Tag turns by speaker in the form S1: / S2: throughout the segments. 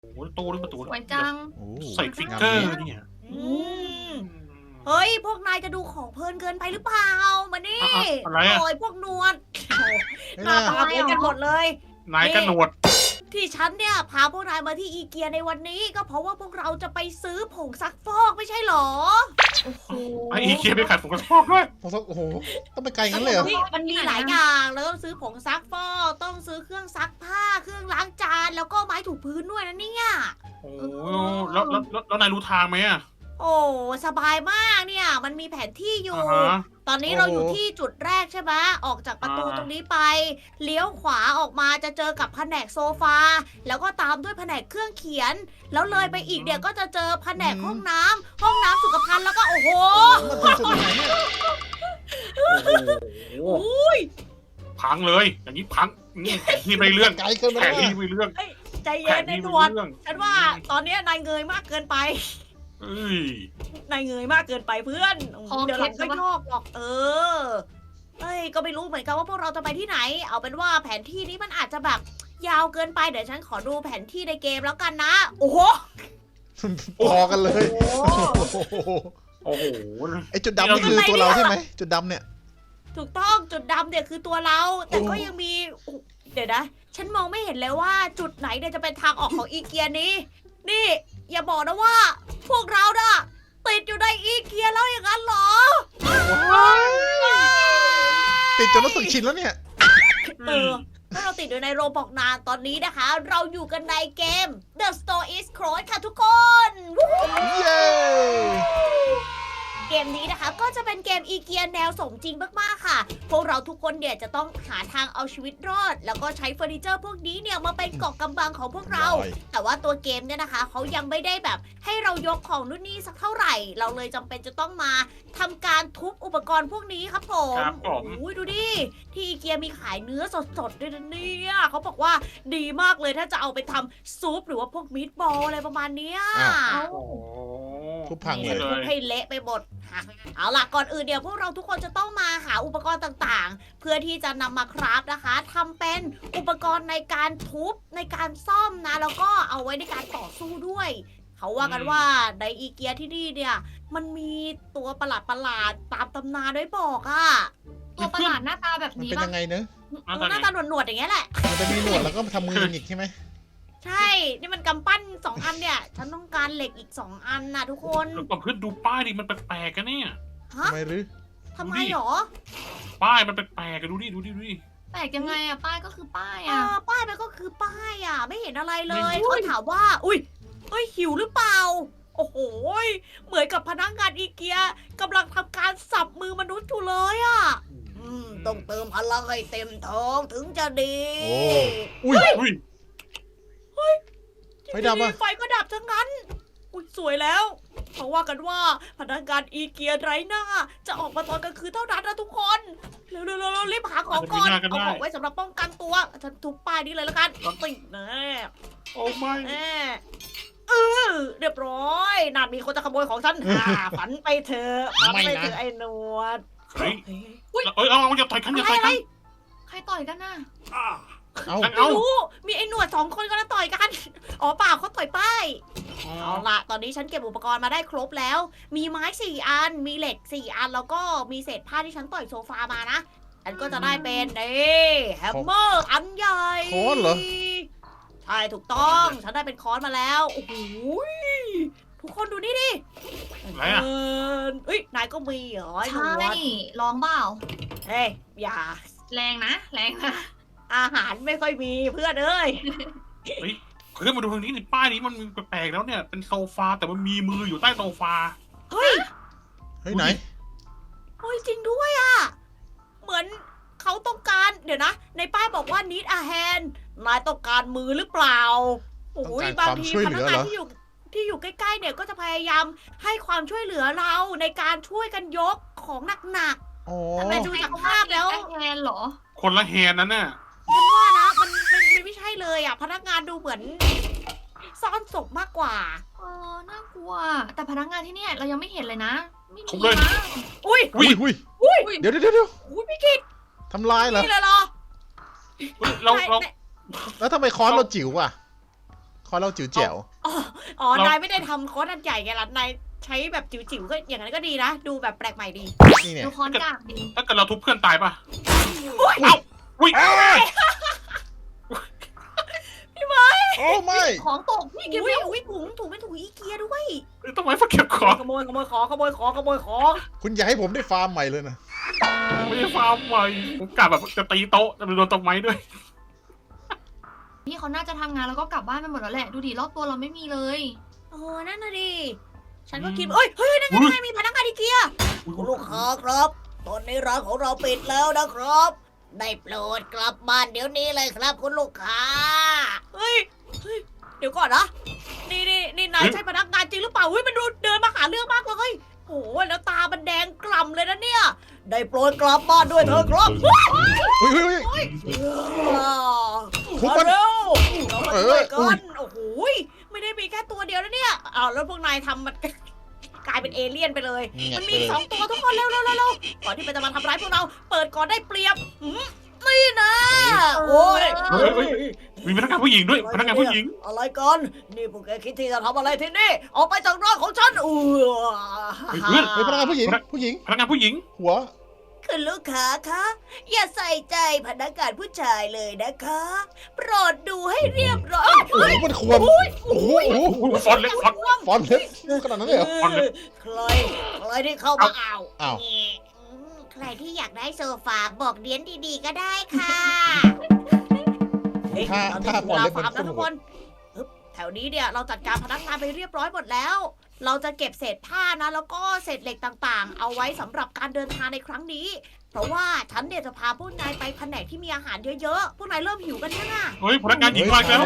S1: โอ้โหตู้นี่ประตู
S2: สวยจัง
S3: โอ้
S1: ใส่ฟิกเกอร์เนี่ย
S4: อืมเฮ้ยพวกนายจะดูของเพลินเกินไปหรือเปล่ามานี่
S1: อะไรอะ
S4: โอ้ยพวกนวลโอ้
S3: ไม่
S4: หน้า
S3: น่า
S4: ตาเหมือนกันหมดเลย
S1: นายกระหนวด
S4: ที่ฉันเนี่ยพาพวกนายมาที่อีเกียในวันนี้ ก็เพราะว่าพวกเราจะไปซื้อผงซักฟอกไม่ใช่หรอ
S2: โอ้โห
S1: ไออีเคียไปขัดผมกระชอกด้วย
S3: โอ้โหต้องไปไกลงั้นเลยเหรอ
S4: นี่มันมีหลายอย่างแล้วต้องซื้อผงซักฟอกต้องซื้อเครื่องซักผ้าเครื่องล้างจานแล้วก็ไม้ถูพื้นด้วยนะเนี่ย
S1: โอ้โหแล้วนายรู้ทางไหมอะ
S4: โอ้สบายมากเนี่ยมันมีแผนที่อยู่
S1: อ่าฮะ
S4: ตอนนี้เราอยู่ที่จุดแรกใช่ไหมออกจากประตูตรงนี้ไป เลี้ยวขวาออกมาจะเจอกับแผนกโซฟา แล้วก็ตามด้วยแผนกเครื่องเขียน แล้วเลยไปอีกเนี่ยก็จะเจอแผนกห้องน้ำสุขภัณฑ์แล้วก็โอ้โห
S3: มันถึงจุดไหนเนี่ย
S1: โอ้โหพังเลย อย่างนี้พังนี่แผนที่ไม่เรื่อง
S3: ไกลเกินไป
S1: แผน
S3: แล้ว
S1: ที่ไม่เรื่อง
S4: ใจ
S1: แผ
S4: เย็น
S1: น
S4: ใน
S1: ที่
S4: ต
S1: ไม่
S4: รวจ
S1: เรื่อง
S4: ฉันว่าตอนเนี้ยนายเงยมากเกินไป
S1: เอ้ย
S4: นายเงยมากเกินไปเพื่อน
S2: คอ
S4: เดี๋ยว
S2: เค
S4: ห
S2: ล็
S4: ลั
S2: ด
S4: ง
S2: ใช่
S4: ก็
S2: ปะ
S4: ยอกหรอกเอ้ยก็ไม่รู้เหมือนกันว่าพวกเราจะไปที่ไหน เอาเป็นว่าแผนที่นี้มันอาจจะแบบยาวเกินไปเดี๋ยวฉันขอดูแผนที่ในเกมแล้วกันนะ โอ้โห
S3: พอกันเลย
S4: โอ้โห
S3: โอ้โห
S1: โอ้โห
S3: ไอจุดดำนี่คือตัวเราใช่ไหมจุดดำเนี่ย
S4: ถูกต้องจุดดำเนี่ยคือตัวเรา แต่ก็ยังมีเดี๋ยวนะ ฉันมองไม่เห็นเลยว่าจุดไหนเนี่ยจะเป็นทางออกของอีเกียนี้ นี่ อย่าบอกนะว่า พวกเราน่ะติดอยู่ในอีเกียแล้วอย่างนั้นเหรอ
S3: ติดจนรู้สึกชินแล้วเนี่ย
S4: ถ้าเราติดอยู่ในโรบอกนานตอนนี้นะคะ เราอยู่กันในเกม The Store is Closed ค่ะทุกคน
S3: เย้
S4: เกมนี้นะคะก็จะเป็นเกมอีเกียแนวสมจริงมากๆค่ะ พวกเราทุกคนเนี่ยจะต้องหาทางเอาชีวิตรอด แล้วก็ใช้เฟอร์นิเจอร์พวกนี้เนี่ยมาเป็นเกาะกำบังของพวกเรา แต่ว่าตัวเกมเนี่ยนะคะเขายังไม่ได้แบบให้เรายกของนู่นนี่สักเท่าไหร่ เราเลยจำเป็นจะต้องมาทำการทุบอุปกรณ์พวกนี้ครับผม
S1: ครับผม
S4: โอ้ยดูดิที่อีเกียมีขายเนื้อสดๆด้วยนะเนี่ยเขาบอกว่าดีมากเลยถ้าจะเอาไปทำซุปหรือว่าพวกมีทบอลอะไรประมาณเนี้ย
S1: โอ้โห
S3: ทุบพังเลย
S1: นี่
S4: ทุบให้เละไปหมด เอาล่ะก่อนอื่นเดี๋ยวพวกเราทุกคนจะต้องมาหาอุปกรณ์ต่างๆ เพื่อที่จะนำมาคราฟนะคะทำเป็นอุปกรณ์ในการทุบในการซ่อมนะ แล้วก็เอาไว้ในการต่อสู้ด้วย เขาว่ากันว่าในอีเกียที่นี่เนี่ยมันมีตัวประหลาดๆตามตำนานไว้บอกอะ
S2: ตัวประหลาดหน้าตาแบบ
S3: มัน
S2: นี้
S3: เป็น
S2: ปะ
S3: ยังไงเนอะ
S4: หน้าตาหนวดๆอย่างเงี้ยแหละ
S3: มันจะมีหนวดแล้วก็ทำมือหงิกใช่ไหม
S4: ใช่ นี่มันกำปั้น2 อันเนี่ย ฉันต้องการเหล็กอีก2 อันนะทุกคน
S1: แล้วก็เพื่อนดูป้ายดิมันแปลกๆกันเนี่ย
S4: ฮะ
S3: ทำไมหรือ
S4: ทำไมหรอ
S1: ป้ายมันแปลกๆกันดูดิ
S2: แปลกยังไงอะป้ายก็คือป้าย
S4: ป้ายมันก็คือป้ายอ่ะ ไม่เห็นอะไรเลย
S1: อุ๊
S4: เขา
S1: ย
S4: ถามว่า อุ้ยเฮ้ยหิวหรือเปล่า โอ้โหยเหมือนกับพนักงานอีเกียกำลังทำการสับมือมนุษย์อยู่เลยอ่ะ ต้องเติมพลังให้เต็มท้องถึงจะดี
S3: โอ้อุ้ย
S1: อุ้ย
S3: ไฟดับอะ
S4: ไฟก็ดับทั้งนั้น อุ้ยสวยแล้วเขาว่ากันว่าพนักงานอีเกียไร้หน้า จะออกมาตอนกลางคืนเท่านั้นนะทุกคนเร็วๆๆๆรีบหาของก่อน
S1: อาจจะมีหน้าก็ได้
S4: เอาของไว้สำหรับป้องกันตัวฉันทุบป้ายนี้เลยแล้วกันติดแน่
S1: โอ้ไม่
S4: แน่เรียบร้อยนั่นมีคนจะขโมยของฉัน ฝันไปเถอะฝันไปเถอะไอ้หนวด
S1: เฮ้ยเอาอย่าต่อยกันอย่าต่อย
S4: อะไร
S1: กัน
S2: ใครต่อยกันน่ะ
S3: เอา
S1: งั้น
S4: ไม่
S1: เอา
S4: รู้ มีไอ้หนวด2 คนก็แล้วต่อยกัน อ๋อเปล่าเขาต่อยป้าย เอาล่ะ ตอนนี้ฉันเก็บอุปกรณ์มาได้ครบแล้ว มีไม้4 อัน มีเหล็ก4 อัน แล้วก็มีเศษผ้าที่ฉันต่อยโซฟามานะ ฉันก็จะได้เป็นแฮมเมอร์อันใหญ่
S3: ค้อนเหรอ
S4: ใช่ถูกต้อง ฉันได้เป็นค้อนมาแล้ว โอ้โหทุกคนดูนี่ดิ
S1: อะไรอะ
S4: เอ้ย นายก็มีเหรอไอ้หน
S2: ใช่
S4: วด
S2: ลองเปล่า
S4: เฮ้ย อย่า
S2: แรงนะแรงนะ
S4: อาหารไม่ค่อยมีเพื่อนเอ้ย
S1: เฮ้ยมาดูทางนี้ในป้ายนี้มันมีแปลกๆแล้วเนี่ย เป็นโซฟาแต่มันมีมืออยู่ใต้โซฟา
S4: เฮ้ย
S3: เฮ้ยไหน
S4: เฮ้ยจริงด้วยอ่ะ เหมือนเขาต้องการเดี๋ยวนะ ในป้ายบอกว่า need a hand นายต้องการมือหรือเปล่าโอ้ย
S3: ต้องการ
S4: บางที
S3: ความช่วย
S4: พ
S3: เหลื
S4: นัก
S3: อเห
S4: งา
S3: ร
S4: น
S3: อ
S4: ที่อยู่ใกล้ๆเนี่ยก็จะพยายามให้ความช่วยเหลือเราในการช่วยกันยกของหนัก
S3: อ๋อ
S4: แต่ดูจากภาพแล้ว
S2: แทนเหรอ
S1: คนละแฮนด์นั่นน่ะ
S4: ๆฉันว่านะมันไม่ใช่เลยอ่ะ พนักงานดูเหมือนซ่อนศพมากกว่า
S2: น่ากลัว แต่พนักงานที่เนี่ยเรายังไม่เห็นเลยนะ ไม่
S1: ทุ
S2: มี
S1: บเลย
S2: นะ
S4: อุ้ย
S3: อุ้ยอุ้ยเดี๋ยว
S4: อุ้ยพี่กิต
S3: ทำลายเหรอ
S4: นี่เลยเหรอ
S1: เรา
S4: นาย
S3: แล้วทำไมค้อนเราจิ๋วอ่ะอเล่าจิ๋วแจ๋ว
S4: อ๋อ นายไม่ได้ทำคอร์สอันใหญ่ไงล่ะ นายใช้แบบจิ๋วๆก็อย่างนั้นก็ดีนะ ดูแบบแปลกใหม่ดี
S3: นี่เนี่ย
S2: ดูคอนกากดี
S1: ถ้าเกิดเราทุบเพื่อนตายป่ะ
S4: อุ้ย
S1: เอ้าอุ้ย
S3: โอ้ไม่
S2: ของตกพี่เก็บ
S4: อุ้
S2: เร็
S4: ยว อุ้ยถุงเป็นถุงอีเกียด้วย
S1: ต้องไว้ฝักเก็บของ
S4: ขโมยของ
S3: คุณอย่าให้ผมได้ฟาร์มใหม่เลยนะ
S1: ไม่ได้ฟาร์มใหม่ผมกะแบบจะตีโต๊ะจะโดนต้นไม้ด้วย
S2: พี่เขาน่าจะทำงานแล้วก็กลับบ้านไปหมดแล้วแหละ ดูดิรอบตัวเราไม่มีเลย
S4: โอ้นั่นน่ะดิ ฉันก็คิดเฮ้ยนั่นไงมีพนักงานอีเกียคุณลูกค้าครับ ตอนนี้ร้านของเราปิดแล้วนะครับ ได้โปรดกลับบ้านเดี๋ยวนี้เลยครับคุณลูกค้า เฮ้ย เดี๋ยวก่อนนะ นี่นายใช่พนักงานจริงหรือเปล่าเฮ้ยมันดูเดินมาหาเรื่องมากเลยโอ้ยแล้วตามันแดงกล่ำเลยนะเนี่ย ได้โปรดกลับบ้านด้วยเถอะครับ
S3: อุ้ยทุบมัน
S4: เร็วเรามาช่วย
S3: อุ้
S4: กั
S3: ย
S4: นโอ้โหไม่ได้มีแค่ตัวเดียวนะเนี่ยอ้าวแล้วพวกนายทำมัน กลายเป็นเอเลี่ยนไปเลย มันมีอีกสองตัวทุกคนเร็วก่อนที่มันจะมาทำร้ายพวกเรา เปิดก่อนได้เปรียบนี่นะโอ้ย
S1: เฮ้ย มีพนักงานผู้หญิงด้วยพนักงานผู้หญิง
S4: อะไรกันนี่พวกแกคิดที่จะทำอะไรที่นี่ออกไปจากร้านของฉัน
S1: เฮ้ย
S3: เฮ้ยพนักงานผู้หญิง ผู้หญิง
S1: พนักงานผู้หญิง
S3: หัว
S4: คุณลูกค้าคะอย่าใส่ใจพนักงานผู้ชายเลยนะคะ โปรดดูให้เรียบร้อย
S3: โอ้โหมันควรโอ้โห
S1: ฟอนเล็กฟอน
S3: ฟอนเล็บขนาดนั้นเลยเหรอ
S4: ใครที่เข้ามาเอา
S3: อ้าว
S4: ใครที่อยากได้โซฟาบอกเดียนดีๆก็ได้ค่ะ
S3: ถ้าฟอนเล็บมัน
S4: นะ
S3: คุ้น
S4: ทุก
S3: หั
S4: คว นแถวนี้เนี่ยเราจัดการพนักงานไปเรียบร้อยหมดแล้ว เราจะเก็บเศษผ้านะแล้วก็เศษเหล็กต่างๆ เอาไว้สำหรับการเดินทางในครั้งนี้ เพราะว่าฉันเนี่ยจะพาพวกนายไปแผนกที่มีอาหารเยอะๆ พวกนายเริ่มหิวกันยังอ่ะ
S1: เฮ้ยพนักงานหญิงมาแล้ว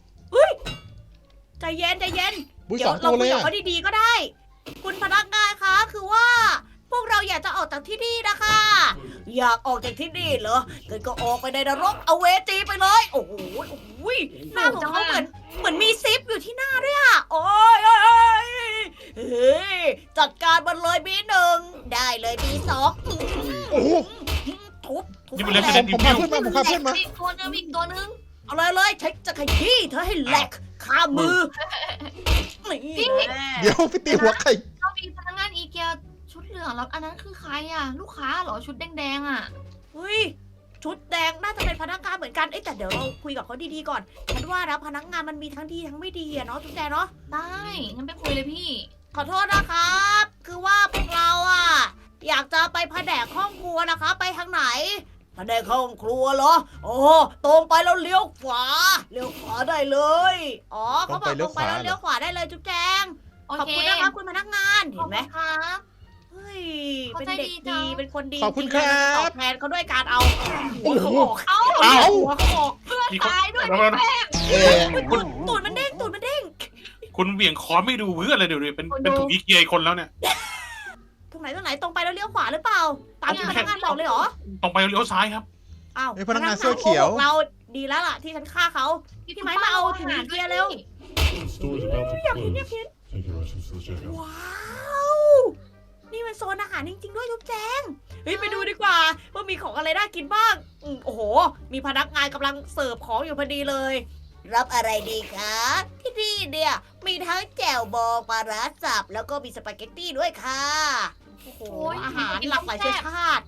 S4: ใจเย็น
S3: บุ้ย
S4: เดี๋
S3: ส
S4: ย
S3: อ
S4: ว
S3: ง
S4: เรา
S3: ตัวเล
S4: คุย
S3: ย
S4: กับ
S3: อะ
S4: เขาดีๆก็ได้ คุณพนักงานคะคือว่า พวกเราอยากจะออกจากที่นี่นะคะ อยากออกจากที่นี่เหรองั้นก็ออกไปในนรกเอาเวจีไปเลย โอ้โหหน้าของเขาเหมือนมีซิปอยู่ที่หน้าด้วยอะโอ้ยเฮ้ยจัดการมันเลยบีหนึ่งได้เลยบีสอง
S3: โอ้โห
S4: ทุบ
S1: นี่มันเล่น
S4: แหล
S1: ไม่
S4: ก
S1: ได้
S3: ผมพาเพื่อนมาผมพาเพื่อนมา
S2: อีกตัวนึงอีกตัวนึง
S4: เอาเลยใช้จะขยี้เธอให้แหลกคามือนี่แน่
S3: เดี๋ยวไปตีหัวใคร
S2: เรามีพนักงานอีเกียชุดเหลืองแล้วอันนั้นคือใครอ่ะ ลูกค้าเหรอชุดแดงๆอ่ะ
S4: เฮ้ยชุดแดงน่าจะเป็นพนักงานเหมือนกันแต่เดี๋ยวเราคุยกับเขาดีๆก่อนฉันว่านะพนักงานมันมีทั้งดีทั้งไม่ดีอะเนาะชุดแดงเนาะ
S2: ได้งั้นไปคุยเลยพี่
S4: ขอโทษนะครับ คือว่าพวกเราอะอยากจะไปแผนกห้องครัวนะคะ ไปทางไหนแผนกห้องครัวเหรอโอ้ตรงไปแล้วเลี้ยวขวาได้เลยอ๋อเขาบอกตรงไปแล้วเลี้ยวขวาได้เลยจุ๊บแจง
S2: โอ
S4: ขอบ
S2: เค
S4: คุณนะครับคุณพนักงานเห็นไหม
S2: ขอบคุณครับ
S4: เฮ้ย
S2: เขา
S4: เป็น
S2: ใจ
S4: เด็ก
S2: ดีจั
S4: ดี
S2: ง
S4: เป็นคนดี
S3: ขอบคุณ
S4: จงๆ
S3: ครับ
S4: ตอบแทนเขาด้วยการเอา
S3: โอ้โห
S2: เอ้า
S1: เอ้า
S4: หัวเขาออก
S2: เพื่อน
S1: พี่เขา
S2: ตายด้วย
S1: แล้วนะ
S3: เอ๊ะ
S4: ตูดมันเด้ง
S1: คุณเหวี่ยงคอไม่ดูเพื่อนเลยเดี๋ยวนี้เป็นถุงอีเกียคนแล้วเนี่ย
S4: ตรงไหนตรงไปแล้วเลี้ยวขวาหรือเปล่า ตามที่พนักงานบอกเลยเหรอ
S1: ตรงไปเลี้ยวซ้ายครับ
S4: อ้าว
S3: ไอ้พนักงานเสื้อเขียว
S4: โกหกเราดีแล้วล่ะที่ฉันฆ่าเขาพี่ไม้มาเอาถุงอีเกียเร็ว
S5: The store is about to close.
S4: Yep.
S5: Take your items to the checkout.
S4: ว้าว นี่มันโซนอาหารจริงๆด้วยทุกแจงเฮ้ยไปดูดีกว่าว่ามีของอะไรน่ากินบ้างโอ้โห มีพนักงานกำลังเสิร์ฟของอยู่พอดีเลย รับอะไรดีคะที่นี่เนี่ยมีทั้งแจ่วบองปลาร้าสับแล้วก็มีสปาเกตตี้ด้วยค่ะโอ้โห
S2: โอ้ย
S4: อาหารหลากหลายเชื้อชาติ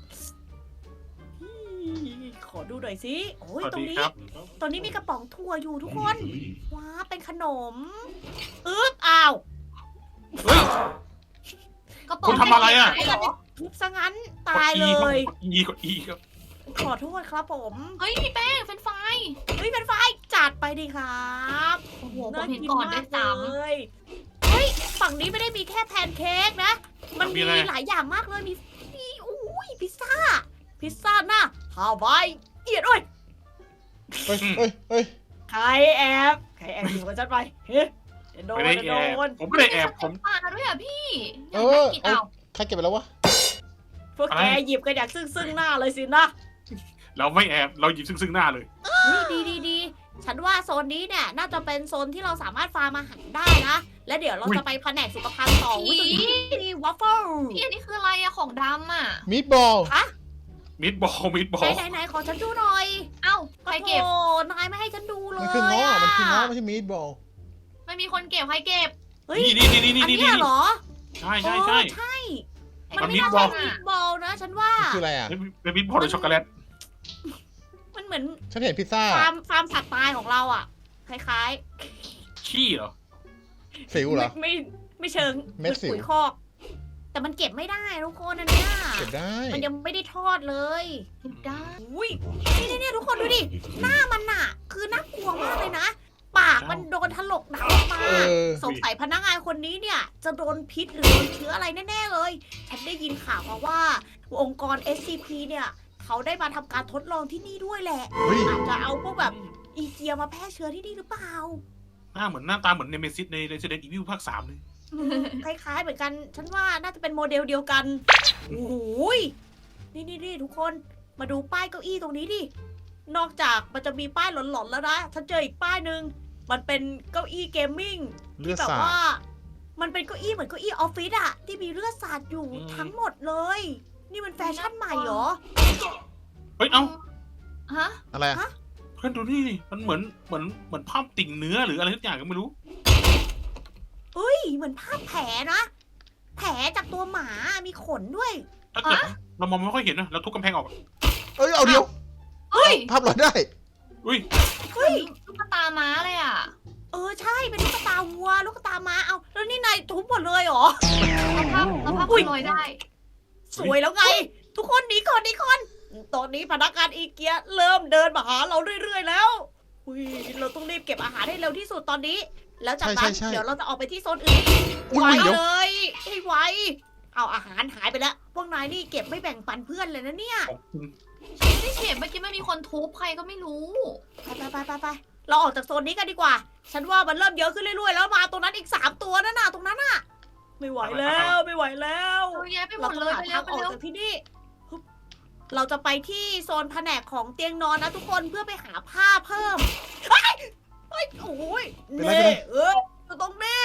S4: ขอดูหน่อยสิโอ้ย
S1: สวัส
S4: ตรง
S1: ดี
S4: นี้
S1: ครับ
S4: ตรงนี้มีกระป๋องถั่วอยู่ทุก
S5: You
S4: คน
S5: need to leave.
S4: ว้าเป็นขนมอ้าว
S1: เฮ้ย
S2: กระป๋อง
S1: คุณทำอะไรอะ
S2: ม่ด้หร
S4: ทุบซะงั้นตายเลย
S1: กดอีครับ
S4: ขอโทษครับผม
S2: เฮ้ยพี่แป้งเฟรนช์ฟราย
S4: เฮ้ยเป็นไฟจัดไปดีครับ
S2: โอ้โหผมเห็นก่อนด้วยซ้
S4: เลยเฮ้ยฝั่งนี้ไม่ได้มีแค่แพนเค้กนะ มันมี
S1: มีอะไร
S4: หลายอย่างมากเลยมีอุ้ยพิซซ่าหน้าฮาวายเอียดด้วย
S3: เฮ้ย
S4: ใครแอบอยู่กับฉันไปเฮ้ยเดี๋ยวโดน
S1: ไม่ได้
S4: เดี๋ยว
S1: แอบ
S4: โดน
S1: ผมไม่ได้แอบผม
S2: ำปลาด้วยอ่ะพี่อ
S3: เอย
S2: ากได้
S3: อ
S2: กิน
S3: เอา
S2: เอา
S3: ใครเก็บไปแล้ววะ
S4: พวกแกหยิบกันอย่างซึ่งหน้าเลยสินะ
S1: เราไม่แอบเราหยิบซึ่งหน้าเลย
S4: ดีฉันว่าโซนนี้เนี่ยน่าจะเป็นโซนที่เราสามารถฟาร์มอาหารได้นะ และเดี๋ยวเราจะไปแผนกสุขภัณฑ์ต่ออุ้ยตรงนี้มีวัฟเฟิล
S2: พี่อันนี้คืออะไรอะของดำอะ
S3: มีดบอล
S1: มิดบอล
S4: ไหนขอฉันดูหน่อย
S2: เอ้าใครเก็บ
S4: โอ้นายไม่ให้ฉันดูเลย
S3: มันคือง้อมันคือง้อไม่ใช่มีดบอล
S2: ไม่มีคนเก็บใครเก็บ
S4: เฮ้ย
S1: นี่
S4: อันเนี้ยเหรอ
S1: ใช่ใช่ใช่
S4: ใช่
S1: มั
S4: มัน
S1: น
S4: ไม่
S1: มี
S4: น่า
S1: บอ
S4: ใช่
S1: ล
S4: มิตบอลนะ ฉันว่า
S3: คืออะไรอ่ะ
S1: เป็นมิตบอลหรือช็อกโกแลต
S4: มันเหมือน
S3: ฉันเห็นพิซซ่า
S4: ฟาร์มสัตว์ตายของเราอ่ะ คล้าย
S1: ขี้เหรอ
S3: สิว
S4: ๆ
S3: เหรอ
S4: ไม่เชิง
S3: เม็ดสิว
S4: ปุ๋ยคอก แต่มันเก็บไม่ได้ทุกคนอันเนี้ย
S3: เก็บได้
S4: มันยังไม่ได้ทอดเลย
S2: เก็บได้
S4: อุ้ยนี่ทุกคนดูดิ หน้ามันน่ะ คือน่ากลัวมากเลยนะ ปากมันโดนถลกหนังออกมา
S3: เออ
S4: สงสัยพนักงานคนนี้เนี่ย จะโดนพิษหรือโดนเชื้ออะไรแน่ๆเลย ฉันได้ยินข่าวมาว่า องค์กร SCP เนี่ย เขาได้มาทำการทดลองที่นี่ด้วยแหละ
S3: เฮ้ย
S4: อาจจะเอาพวกแบบอีเกียมาแพร่เชื้อที่นี่หรือเปล่า
S1: หน้าตาเหมือนเนเมซิสใน Resident Evil ภาค 3เลย
S4: คล้ายๆเหมือนกัน ฉันว่าน่าจะเป็นโมเดลเดียวกัน โอ้โหยนี่ทุกคน มาดูป้ายเก้าอี้ตรงนี้ดิ นอกจากมันจะมีป้ายหลอนๆแล้วนะ ฉันเจออีกป้ายหนึ่ง มันเป็นเก้าอี้เกมมิ่ง
S3: เลือด
S4: แบบ
S3: สาด
S4: ว่า มันเป็นเก้าอี้เหมือนเก้าอี้ออฟฟิศอะที่มีเลือดสาดอยู่ทั้งหมดเลย นี่มันแฟชั่นใหม่เหรอ
S1: เฮ้ย เอ้า
S2: ฮะ
S3: อะไรอะ
S1: เพื่อนดูนี่ดิมันเหมือนภาพติ่งเนื้อหรืออะไรทุกอย่างก็ไม่รู้
S4: เฮ้ย เหมือนภาพแผลนะ แผลจากตัวหมา มีขนด้วย
S1: ถ้าเกิดเรามองไม่ค่อยเห็นนะเราทุบกำแพงออก
S3: เอ้ย เอาเดียว
S2: เฮ้ย
S3: ภาพลอยได้
S1: อุ้ย
S4: เฮ้ย
S2: ตุ๊กตาม้าเลยอ่ะ
S4: ใช่ เป็นลูกตาวัว ลูกตาม้า เอาแล้วนี่นายทุบหมดเลยเหรอ
S2: เราภาพลอยได้
S4: สวยแล้วไง ทุกคนหนีก่อนตอนนี้พนักงานอีเกียเริ่มเดินมาหาเราเรื่อยๆแล้วอุ้ยเราต้องรีบเก็บอาหารให้เร็วที่สุดตอนนี้ แล้วจากนั้น
S3: ใช่
S4: เดี๋ยวเราจะออกไปที่โซนอื่น
S3: อุ๊ย
S4: ไว
S3: เดี๋ยว
S4: เลยให้ไวเอาอาหารหายไปแล้ว พวกนายนี่เก็บไม่แบ่งปันเพื่อนเลยนะเนี่ย
S1: ขอบคุณ
S2: ไม่ได้เก็บเมื่อกี้ไม่มีคนทุบใครก็ไม่รู้
S4: ไปเราออกจากโซนนี้กันดีกว่า ฉันว่ามันเริ่มเยอะขึ้นเรื่อยๆแล้วมาตรงนั้นอีก3ตัวนั่นน่ะตรงนั้นน่ะ ไม่ไหวแล้วไม่ไหวแล้ว
S2: เยอะแยะไปหม
S4: เรา
S2: ด
S4: ต้
S2: เล
S4: อง
S2: ย
S4: หา
S2: ไปเร็
S4: ทาว ง
S2: ไป
S4: ออก
S2: เร็ว
S4: จากที่นี่ฮึบเราจะไปที่โซนแผนกของเตียงนอนนะทุกคนเพื่อไปหาผ้าเพิ่มเฮ้ยโอ้ย
S3: เป็นไร
S4: เน่อยู่ตรงนี้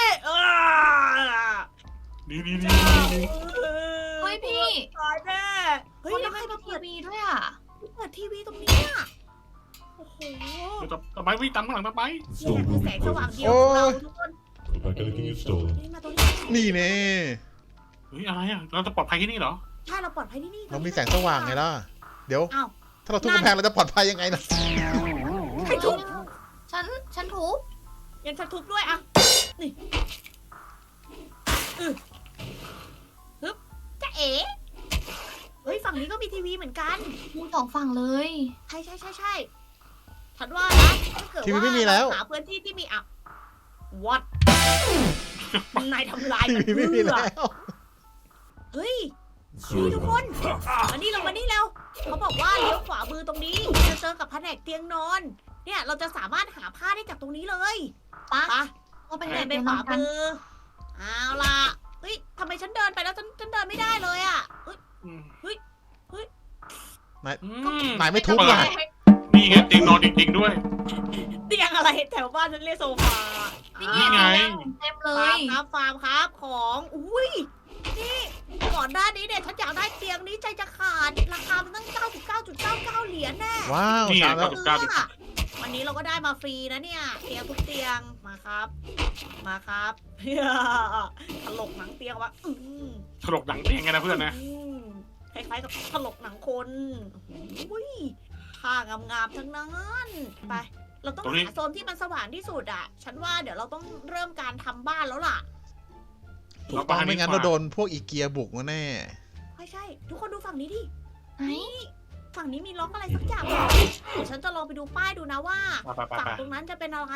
S1: นี่
S2: เฮ้ยพี่
S4: ตายแน่เฮ้ย
S2: คน
S4: แล้
S2: ยั
S4: ว
S2: ง
S4: ใคร
S2: ไม่
S4: มา
S2: มี
S4: เปิด
S2: ทีวีด้วยอ่ะ
S4: ทีวีตรงนี้อ่ะโอ้โห
S1: ต่อไปวิ่งตามข้างหลังต่อไป
S4: นี่แหละคือแสงสว่างเดียว
S3: โอ้
S4: ของเราทุกคน
S5: Put back anything you've stolen.
S4: นี่มาตรงนี้
S3: นี่แน่
S1: เฮ้ยอะไรอ่ะเราจะปลอดภัยที่นี่เหรอ
S4: ใช่เราปลอดภัยที่นี่
S3: เรามีแสงสว่างไงล่ะ เดี๋ยว
S4: อ้าว
S3: ถ้าเราทุบกำแพงเราจะปลอดภัยยังไงนะ
S4: ใครทุบ
S2: ฉันทุบ
S4: ยังฉันทุบด้วยอ่ะนี่ฮึบจะเอ๋เฮ้ยฝั่งนี้ก็มีทีวีเหมือนกัน
S2: มีสองฝั่งเลย
S4: ใช่ฉันว่านะถ้าเกิด
S3: ทีวี
S4: ว่า
S3: ไม่มีแล้ว
S4: เราหาพื้นที่ที่มีอ่ะ what นายทำลาย
S3: ที
S4: มัน
S3: วีไม่มี
S4: เพื่อ
S3: แล้ว
S4: เฮ้ย
S5: Stories
S4: ทุกคน มานี่เราเขาบอกว่าเลี้ยวขวามือตรงนี้จะเจอกับแผนกเตียงนอน เนี่ยเราจะสามารถหาผ้าได้จากตรงนี้เลย
S2: ปะ
S4: ไป
S2: เราไป
S4: ไป
S2: ไหน
S4: ไป
S2: ไป
S4: ขวา
S2: กัน
S4: มือเอาล่ะเฮ้ยทำไมฉันเดินไปแล้วฉันเดินไม่ได้เลยอ่ะเฮ้ย
S3: นายไม่ทุบ
S1: เปิ
S3: ว่ะ
S1: ด นี่ไงเตียงนอนจริงๆด้วย
S4: เตียงอะไรแถวบ้านฉันเรียกโซฟา
S2: นี่
S1: นี่ไง
S2: เต็มเล
S4: ฟาร์
S2: ย
S4: มครับของอุ้ยนี่ก่อนหน้านี้เนี่ยฉันอยากได้เตียงนี้ใจจะขาดราคามันตั้ง 99.99 เหรียญแน่
S3: ว้าว
S1: นี่ไง
S3: ตามแล้ว
S1: 99
S4: วันนี้เราก็ได้มาฟรีนะเนี่ยเตียงทุกเตียงมาครับถลกหนังเตียงวะ
S1: ถลกหนังเตียงไงนะเพื่อนนะ
S4: คล้ายๆกับถลกหนังคนอุ้ยผ้างามๆทั้งนั้นไป เราต้อง
S1: ตรงนี้
S4: หาโซนที่มันสว่างที่สุดอ่ะ ฉันว่าเดี๋ยวเราต้องเริ่มการทำบ้านแล้วล่ะ
S3: ถูกต้องไม่งั้นเราโดนพวกอีเกียบุกมาแน่
S4: ใช่ ทุกคนดูฝั่งนี้ดิ
S2: ไหน
S4: ฝั่งนี้มีล็อกอะไรสักอย่างเดี๋ยวฉันจะลองไปดูป้ายดูนะว่า
S1: ไป
S4: ฝั่งตรงนั้นจะเป็นอะไร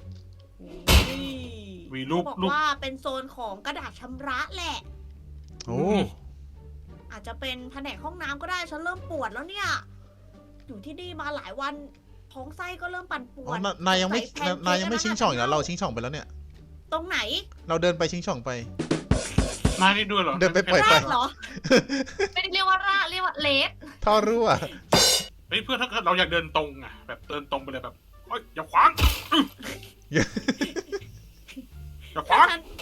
S1: มีรูป
S4: บอก
S1: รูป
S4: ว่าเป็นโซนของกระดาษชำระแหละ
S3: โอ้
S4: อาจจะเป็นแผนกห้องน้ำก็ได้ ฉันเริ่มปวดแล้วเนี่ย อยู่ที่นี่มาหลายวัน ท้องไส้ก็เริ่มปั่นป่ว
S3: อ๋อ
S4: ด
S3: นายยังไม่
S4: ใส่แพนเค้ก
S3: นายยังไม่ชิงช่องอยู่แล้วเราชิงช่องไปแล้วเนี่ย
S4: ตรงไหน
S3: เราเดินไปชิงช่องไป
S1: นายได้ด้วยเหรอ
S3: เดินไปปล่อย
S4: ราดเหรอ
S2: ไม่ได้เรียกว่าร่าเรียกว่าเลส
S3: ท่อรั่ว
S1: เฮ้ยเพื่อนถ้าเกิดเราอยากเดินตรงอ่ะแบบเดินตรงไปเลยแบบเฮ้ยอย่าขวางอย่าขวาง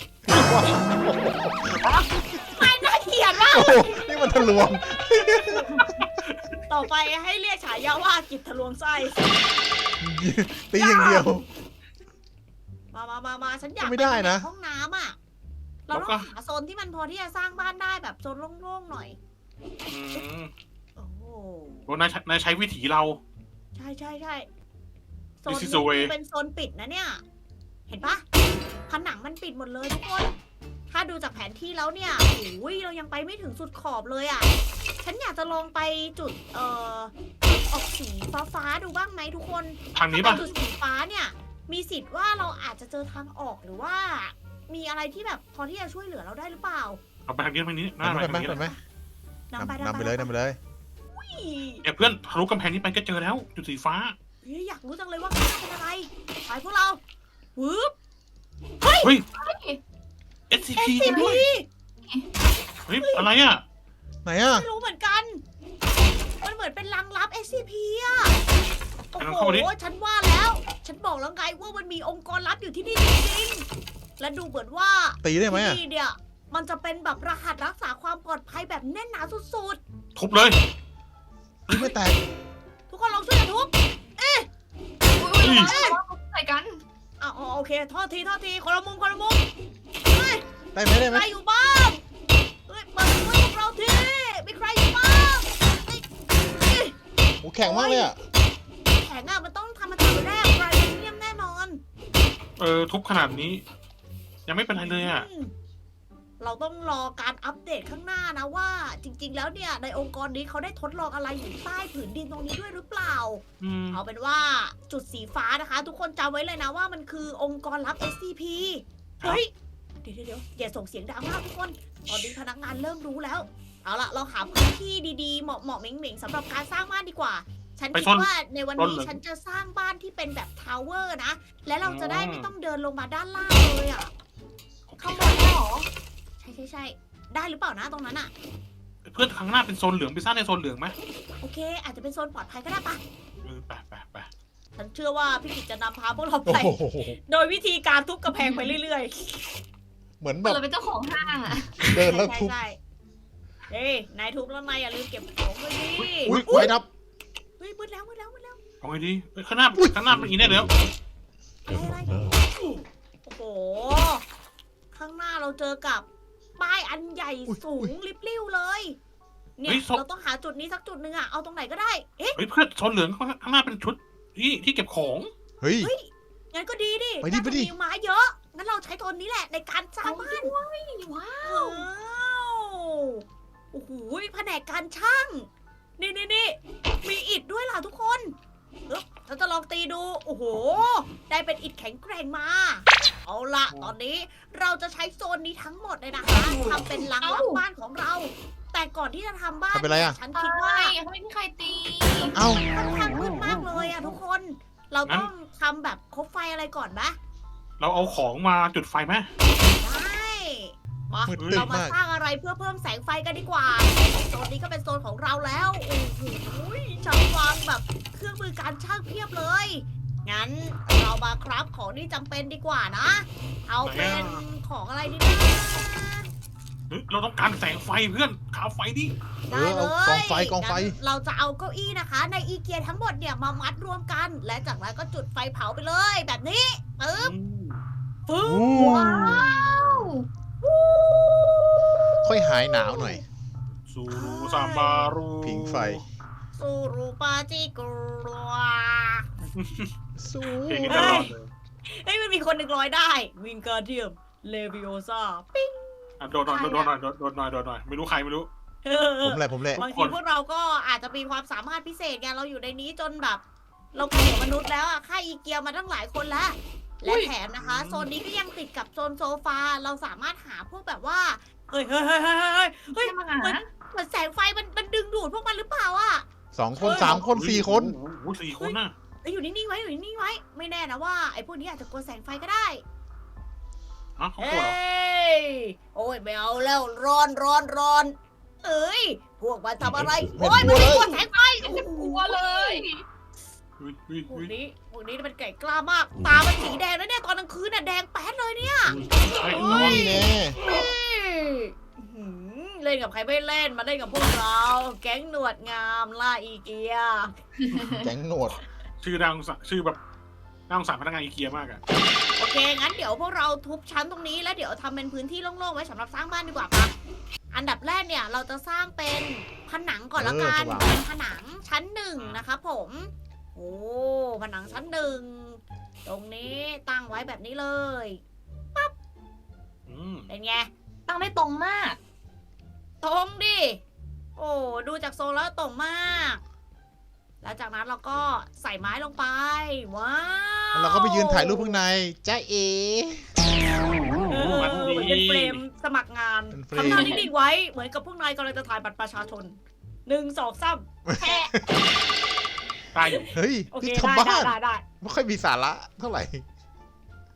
S4: ไม่น่าเกลียดมาก
S3: โอ้โหนี่มันทะลวง
S4: ต่อไปให้เรียกฉายาว่ากิจทะลวงไส้
S3: ตีอย่างเดียว
S4: มามาฉันอยาก
S3: ไม่ได้นะ
S4: ห้องน้ำอ่ะ เราต้องหาโซนที่มันพอที่จะสร้างบ้านได้แบบโซนโล่งๆหน่อย
S1: อืม
S4: โอ้โห
S1: โอ้นายใช้วิถีเรา
S4: ใช่โซน
S1: This is the way
S4: นี้เป็นโซนปิดนะเนี่ย เห็นปะผนังมันปิดหมดเลยทุกคน ถ้าดูจากแผนที่แล้วเนี่ยโอ้ยเรายังไปไม่ถึงสุดขอบเลยอ่ะ ฉันอยากจะลองไปจุดออกสีฟ้าๆดูบ้างไหมทุกคน
S1: ทางนี้
S4: ถ้า
S1: ป่ะ
S4: ไปจุดสีฟ้าเนี่ย มีสิทธิ์ว่าเราอาจจะเจอทางออกหรือว่า มีอะไรที่แบบพอที่จะช่วยเหลือเราได้หรือเปล่า
S1: เอาไปทางนี้หน้า
S3: ไป
S1: ไป
S3: ไหม
S1: ทางนี้
S3: ไปไหม
S4: นำไป
S3: นำไปเลยนำไปเลย
S1: เนี่ยเพื่อนทะลุกำแพงนี้ไปก็เจอแล้ว จุดสีฟ้า
S4: เฮ้ยอยากรู้จังเลยว่าข้างหน้าเป็นอะไร ไปพวกเราวืบ
S1: SCP จริง
S4: SCP
S1: ด้วยเฮ้ยอะไรอ่ะ
S3: ไหนอ่ะ
S4: ไม่รู้เหมือนกัน มันเหมือนเป็นลังลับ SCP อ่ะ โอ้
S1: ลอง
S4: โห
S1: เข้ามาดิ
S4: ฉันว่าแล้ว ฉันบอกแล้วไงว่ามันมีองค์กรลับอยู่ที่นี่จริงๆ และดูเหมือนว่า
S3: ตีได้ไหม
S4: ที่
S3: อ่ะ
S4: นี่เนี่ย มันจะเป็นแบบรหัสรักษาความปลอดภัยแบบแน่นหนาสุด
S1: ทุบเลย
S3: ไม่แตก
S4: ๆ ทุกคนลองช่วยกันทุบ
S2: อุ้ยใส่กัน
S4: อ๋อโอเค โทษทีคนละมุม
S3: ได้ไหมได้ไหม
S4: ใครอยู่บ้างเฮ้ยมาช่วยพวกเราทีมีใครอยู่บ้างเฮ้ย
S3: โอ้แข็งมากเลยอ่ะ
S4: แข็งอ่ะมันต้องทำมาจากแร่ไบรเทเนียมแน่นอน
S1: ทุบขนาดนี้ ยังไม่เป็นไรเลยอ่ะ
S4: เราต้องรอการอัปเดตข้างหน้านะว่า จริง ๆ แล้วเนี่ยในองค์กรนี้เขาได้ทดลองอะไรอยู่ใต้ผืนดินตรงนี้ด้วยหรือเปล่า
S1: อืม
S4: เอาเป็นว่าจุดสีฟ้านะคะ ทุกคนจำไว้เลยนะว่ามันคือองค์กรลับ SCP เฮ้ย เดี๋ยวอย่าส่งเสียงดังมากทุกคน ตอนนี้พนักงานเริ่มรู้แล้ว เอาล่ะ เราหาพื้นที่ดีๆ เหมาะเหม่งๆสำหรับการสร้างบ้านดีกว่า ฉันคิดว่าในวันนี้ฉันจะสร้างบ้านที่เป็นแบบทาวเวอร์นะ และเราจะได้ไม่ต้องเดินลงมาด้านล่างเลยอ่ะ
S2: ข้างบนเนี่ยเหรอ
S4: ใช่ ได้หรือเปล่านะตรงนั้นอ่ะ
S1: เพื่อนข้างหน้าเป็นโซนเหลืองไปสร้างในโซนเหลืองไหม
S4: โอเค อาจจะเป็นโซนปลอดภัยก็ได้ปะ
S1: ไป
S4: ฉันเชื่อว่าพี่กิจจะนำพาพวกเรา
S3: โอ้
S4: ไป
S3: โห
S4: โดยวิธีการทุบกระแพงไปเรื่อย
S3: เหมือนแบบ
S2: เราเป็นเจ้าของห้างอ่ะ
S4: ๆ
S3: เดินแล้วทุบ
S4: ใช่เฮ้ยนายทุบแล้วนายอย่าลืมเก็บของไว้ดิ
S3: อุ้ยไฟดับ
S4: เฮ้ยมืดแล้ว
S1: เอาไงดีข้างหน้าเป็นอีกแน่แล้ว
S4: อะไร โอ้โห ข้างหน้าเราเจอกับป้ายอันใหญ่สูงลิบลิ่วเลย เนี่ยเราต้องหาจุดนี้สักจุดหนึ่งอะเอาตรงไหนก็ได้ เอ๊ะ
S1: เฮ้ยเพื่อนโซนเหลืองข้างหน้าเป็นชุดที่เก็บของ
S3: เฮ้ย
S4: งั้นก็ดีดิ
S3: ไปดิ
S4: น่า
S3: ไป
S4: จะ
S3: ดิ
S4: มีไม้เยอะ งั้นเราใช้ตัวนี้แหละในการสร้างบ้าน
S2: ว้าว
S4: ว้าวโอ้โหแผนกการช่าง นี่มีอิฐด้วยล่ะทุกคนเราจะลองตีดู โอ้โห ได้เป็นอิฐแข็งแกร่งมา เอาละตอนนี้เราจะใช้โซนนี้ทั้งหมดเลยนะคะทำเป็นลังรับบ้านของเรา แต่ก่อนที่จะทำบ้าน
S3: ทำเป็นไรอะ
S4: ฉัน
S2: ใช่
S4: คิดว่า
S2: เขาไม่มีใครตี
S3: เอ้า
S4: ค่อนข้างมืดมากเลยอะทุกคน เราต้องทำแบบคบไฟอะไรก่อนไหม
S1: เราเอาของมาจุดไฟไหม
S4: ได้มา
S3: มืดตึ๊บ
S4: เรามาม
S3: าก
S4: สร้างอะไรเพื่อเพิ่มแสงไฟกันดีกว่า โซนนี้ก็เป็นโซนของเราแล้ว โอ้โหช่างวางแบบเครื่องมือการช่างเพียบเลย งั้นเรามาครับของที่จำเป็นดีกว่านะ เอาเป็นของอะไรดีนะ
S1: เราต้องการแสงไฟเพื่อนขาวไฟดิ
S4: ได้เลย
S3: เอากองไฟ
S4: งั้นเราจะเอาเก้าอี้นะคะ ในอีเกียทั้งหมดเนี่ยมามัดรวมกัน และจากนั้นก็จุดไฟเผาไปเลย แบบนี้ปึ๊บปึ๊บ
S2: ว้าว
S3: ค่อยหายหนาวหน่อย
S1: สูซามบารู
S3: ผิงไฟ
S4: สูรูปาจิกรัว
S3: สู้
S1: เพลงนี้ตลอดเลย
S4: เฮ้ยมันมีคนหนึ่งร้อยได้ วิงการเดียม เลวิโอซาปิ้ง
S1: โดนหน่อยไม่รู้ใครไม่รู้
S3: ผมแหละ
S4: บางทีพวกเราก็อาจจะมีความสามารถพิเศษไงเราอยู่ในนี้จนแบบ เราเก่งกว่ามนุษย์แล้วอะค่าอีเกียมาตั้งหลายคนแล้ว และแถมนะคะ โซนนี้ก็ยังติดกับโซนโซฟา เราสามารถหาพวกแบบว่า เฮ้ย
S2: เฮ้ยมาหา
S4: เหมือนแสงไฟมันดึงดูดพวกมันหรือเปล่าอะ
S3: 2 คน 3 คน 4 คน
S1: โอ้โห4 คนน่ะ
S4: เอ้ยอยู่นิ่งๆไว้ ไม่แน่นะว่าไอ้พวกนี้อาจจะกลัวแสงไฟก็ได้
S1: เขา
S4: เอ
S1: โกรธเหรอ้
S4: ยโอ้ยไม่เอาแล้วร้อนเอ้ยพวกมันทำอะไร
S3: ไม่
S4: โอ้ย
S3: กลั
S4: มัน
S3: ว
S4: ไม่
S3: เลย
S4: กลัวแสงไฟ
S2: กลัวเลย
S4: พวกนี้มันไก่กล้ามาก ตามันสีแดงแล้วเนี่ยตอนกลางคืนน่ะแดงแป๊ดเลยเนี่ย
S3: นี่แน่
S4: เล่นกับใครไม่เล่นมาเล่นกับพวกเรา แก๊งหนวดงามล่าอีเกีย
S3: แก๊งหนวด
S1: ชื่อแบบน่าสงสารพนักงานอีเกียมากอะ
S4: โอเค งั้นเดี๋ยวพวกเราทุบชั้นตรงนี้แล้วเดี๋ยวทำเป็นพื้นที่โล่งๆไว้สำหรับสร้างบ้านดีกว่าปะอันดับแรกเนี่ยเราจะสร้างเป็นผนังก่อนละกัน เป็นผนังชั้นหนึ่งนะครับผม โอ้ผนังชั้นหนึ่งตรงนี้ตั้งไว้แบบนี้เลย
S1: อืม
S4: เป็นไง
S2: ตั้งได้ตรงมาก
S4: ตรงดิ โอ้ดูจากทรงแล้วตรงมาก แล้วจากนั้นเราก็ใส่ไม้ลงไป ว้าว
S3: แล้วเราก็ไปยืนถ่ายรูปข้างในจ้าเอ
S1: มัน
S4: เห
S1: ดี
S4: มือนเป็นเฟรมสมัครงาน
S3: เป็นเฟรม
S4: ทำหน้านิ่งๆไว้ เหมือนกับพวกนายกำลังจะถ่ายบัตรประชาชน1 2 3แค่
S1: ได้อยู่
S3: เฮ้ย
S4: โอเค
S3: ที่
S4: ได้
S3: ทำบ้าน
S4: ได้
S3: ไม่ค่อยมีสาระเท่าไหร่